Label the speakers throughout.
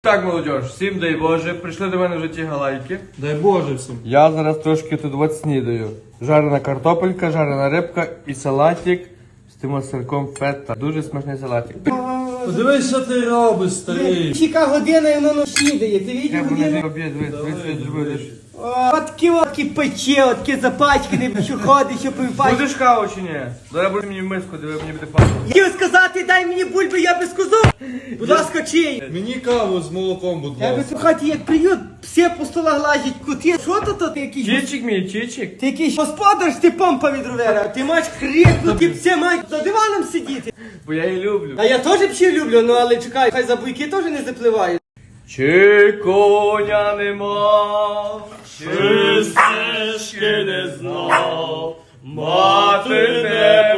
Speaker 1: Так, молодіж, всім дай Боже, прийшли до мене в житті галайки.
Speaker 2: Дай Боже всім.
Speaker 1: Я зараз трошки тут от снідаю. Жарена картопелька, жарена рибка і салатик з тим сирком фета. Дуже смачний салатик.
Speaker 2: Подивись, що ти робиш, старий.
Speaker 3: Чека година і воно снідає, ти
Speaker 1: Я
Speaker 3: видів
Speaker 1: мене
Speaker 3: годину?
Speaker 1: обід, дивись.
Speaker 3: Откі пече, откі запачкані, що ходить, що пивпачки.
Speaker 1: Будеш каву чи ні? Зараз будеш мені в миску, диви, мені буде пахнути.
Speaker 3: Хотів сказати, дай мені бульби, я би сказав. Будь ласка, чий?
Speaker 2: Мені каву з молоком, будь
Speaker 3: Я би
Speaker 2: ласка.
Speaker 3: в хаті як приют, всі по столах лазять, кути. Що то ти якийсь?
Speaker 1: Чичик мій, чичик.
Speaker 3: Ти якийсь господар, ти помпа від ровера. Ти маєш крикнути, всі мають за диваном сидіти.
Speaker 1: Бо я її люблю.
Speaker 3: А я теж псів люблю, ну але чекай, хай за буйки теж не запливають.
Speaker 1: Чи коня нема, чи стежки не знав, мати не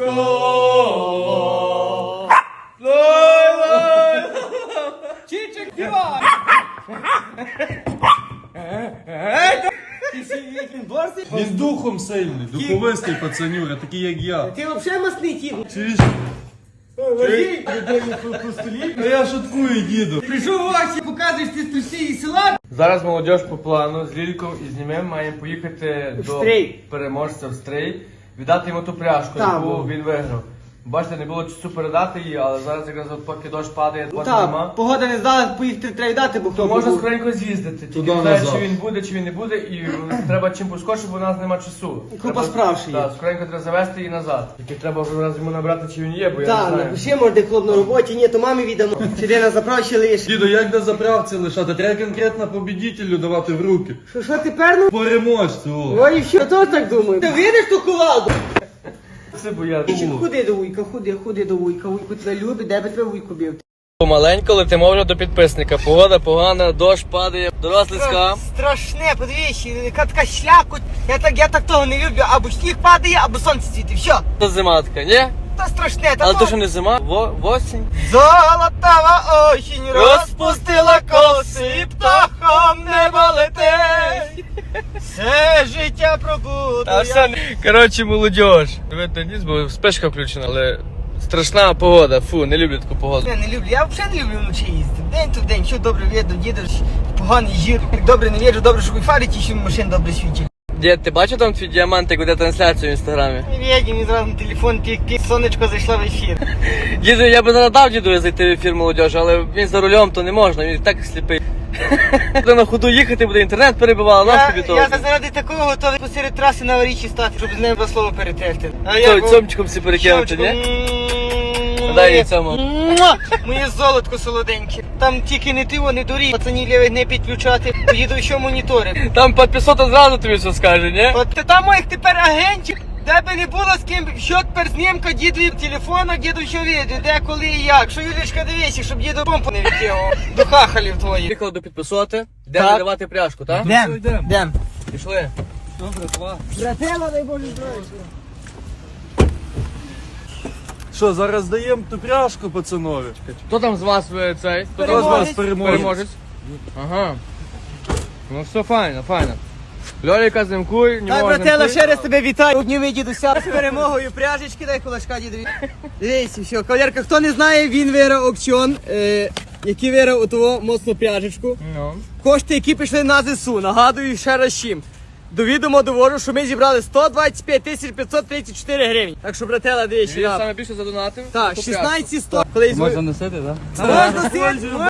Speaker 1: пускала. Лай-лай!
Speaker 3: Чичик, дівай! Ти ще він борсий?
Speaker 2: Він духом сильний, духовистий пацанюра, такий як я.
Speaker 3: Ти взагалі масний тіп.
Speaker 2: Чуєш?
Speaker 3: Ложи людину по столі.
Speaker 2: А я шуткую, діду.
Speaker 3: Прийшов в очі, показуєш ти струсі і села.
Speaker 1: Зараз молодіж по плану з Лільком і з Німем маємо поїхати
Speaker 3: В
Speaker 1: до
Speaker 3: Стрий.
Speaker 1: переможця в Стрий, віддати йому ту пряжку,
Speaker 3: Так,
Speaker 1: яку
Speaker 3: бо.
Speaker 1: він виграв. Бачите, не було часу передати її, але зараз якраз от поки дощ падає, води
Speaker 3: Так,
Speaker 1: нема.
Speaker 3: погода не здала, поїхати треба дати, бо
Speaker 1: То
Speaker 3: хто
Speaker 1: можна
Speaker 3: був.
Speaker 1: скоренько з'їздити, тільки
Speaker 2: Туди
Speaker 1: не знаю,
Speaker 2: назад.
Speaker 1: чи він буде, чи він не буде, і треба чим поскорше, бо у нас нема часу.
Speaker 3: Купа справ ще є.
Speaker 1: Так, скоренько треба завести її назад. Тільки треба вже раз йому набрати, чи він є, бо я
Speaker 3: Так,
Speaker 1: не знаю.
Speaker 3: напиши, може, де хлоп на роботі, ні, то мамі віддамо. Чи де на заправці лиш.
Speaker 2: Діду, як на заправці лишати? Треба конкретно побідітелю давати в руки.
Speaker 3: Що тепер, ну?
Speaker 2: Переможцю, о.
Speaker 3: Ой, що, то так думаю. Ти видиш ту кувалду?
Speaker 1: Це бо я...
Speaker 3: Ходи до вуйка, ходи до вуйка. Вуйку тебе любить, де би тебе вуйку бив?
Speaker 1: Помаленько летимо вже до підписника. Погода погана, дощ падає, дорослицька.
Speaker 3: Страшне, подивись, яка така слякоть. Я так того не люблю, або сніг падає, або сонце світить, все.
Speaker 1: Це зима така, ні?
Speaker 3: Та страшне, та
Speaker 1: Але
Speaker 3: то...
Speaker 1: то що не зима, осінь.
Speaker 3: Золотава осінь розпустила коси, птахом небо летить. Все життя пробуду.
Speaker 1: Коротше, молодіж. Видно, ніс, бо спешка включена, але страшна погода. Фу, не люблю таку погоду.
Speaker 3: Я не люблю, я взагалі не люблю вночі їздити. День то в день, що добре видно, дідеш, поганий жир. Як добре не вірю, добре, що ви фарите, що машин добре світить.
Speaker 1: Дід, ти бачив там твій діамант, як веде трансляцію в інстаграмі?
Speaker 3: Не віді, мені зразу на телефон пік-пік, сонечко зайшло в ефір.
Speaker 1: Діду, я би задав діду зайти в ефір молодіж, але він за рулем, то не можна, він і так сліпий. Буде на ходу їхати, буде інтернет перебивало, нас тобі того.
Speaker 3: Я заради такого готовий посеред траси на аварійці стати, щоб з ним два слова перетерти.
Speaker 1: Цьомчиком всі перекинути, ні? Дай їй цьому.
Speaker 3: Моє золотко солоденьке. Там тільки не ти, не дурі. Пацанів лівих не підключати. Поїду ще монітори.
Speaker 1: Там підписота зразу тобі все скаже, ні?
Speaker 3: От там моїх тепер агентів. Де би не було з ким, що тепер знімка, дідові телефона, діду що відео, де, коли і як. Що Юлічка дивись, щоб діду помпу не відтягував. До хахалів твоїх.
Speaker 1: Приїхали до підписоти, де
Speaker 3: Так.
Speaker 1: видавати пряжку, так?
Speaker 3: Дем.
Speaker 1: Пішли.
Speaker 3: Братела, дай Боже здоров'я.
Speaker 2: Що, зараз даємо ту пряжку пацанові?
Speaker 1: Хто там з вас цей? Хто там з вас переможець? Ага. Ну все файно, файно. Льоліка зимкуй, не
Speaker 3: Так,
Speaker 1: можна.
Speaker 3: братела, ще раз тебе вітаю. Обніми дідуся з перемогою пряжечки, дай кулачка дідові. Дивіться, все, кавалерка, хто не знає, він виграв аукціон, який виграв у того моцну пряжечку.
Speaker 1: Ну.
Speaker 3: Кошти, які пішли на ЗСУ, нагадую ще раз чим. До відома довожу, що ми зібрали 125 534 гривень. Так що, братела, дивіться.
Speaker 1: Я саме більше задонатив.
Speaker 3: Так,
Speaker 1: ту
Speaker 3: 16 100. Коли
Speaker 2: Можна носити, так?
Speaker 3: Можна,